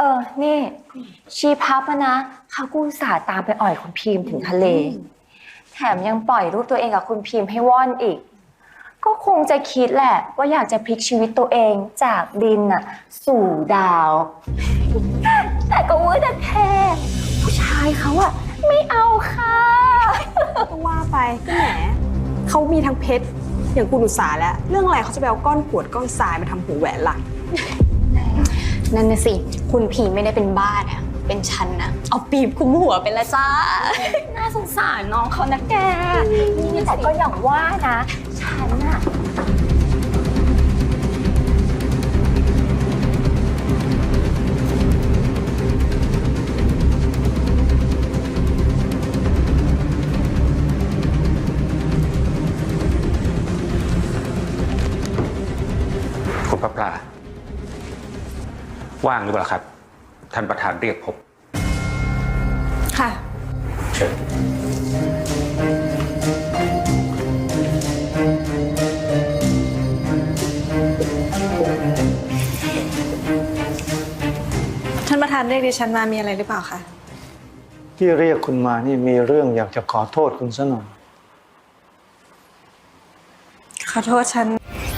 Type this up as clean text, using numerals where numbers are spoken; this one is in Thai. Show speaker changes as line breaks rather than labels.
นี่ชีพับนะเขากูอุตส่าห์ตามไปอ่อยคุณพิมพ์ถึงทะเลแถมยังปล่อยรูปตัวเองกับคุณพิมพ์ให้ว่อนอีกก็คงจะคิดแหละว่าอยากจะพลิกชีวิตตัวเองจากดินน่ะสู่ดาวแต่ก็ว่าแต่แค่ผู้ชายเขาอะไม่เอาค่ะ
ก็ว่าไปก็แหมเขามีทั้งเพชรอย่างคุณอุตสาห์แล้วเรื่องอะไรเขาจะไปเอาก้อนกรวดก้อนทรายมาทำหูแหวนล่ะ
นั่นน่ะสิคุณพีไม่ได้เป็นบ้านะเป็นฉันนะเอาปีบคุมหัวไปละจ้า
น่าสงสารน้องเขานะแกนี่แต่ก็อย่างว่านะฉันอะ
คุณพระปลาว่างหรือเปล่าครับท่านประธานเรียกพบ
ค่ะ
เชิญ
ท่านประธานเรียกดิฉันมามีอะไรหรือเปล่าคะ
ที่เรียกคุณมานี่มีเรื่องอยากจะขอโทษคุณซะหน่อย
ขอโทษฉัน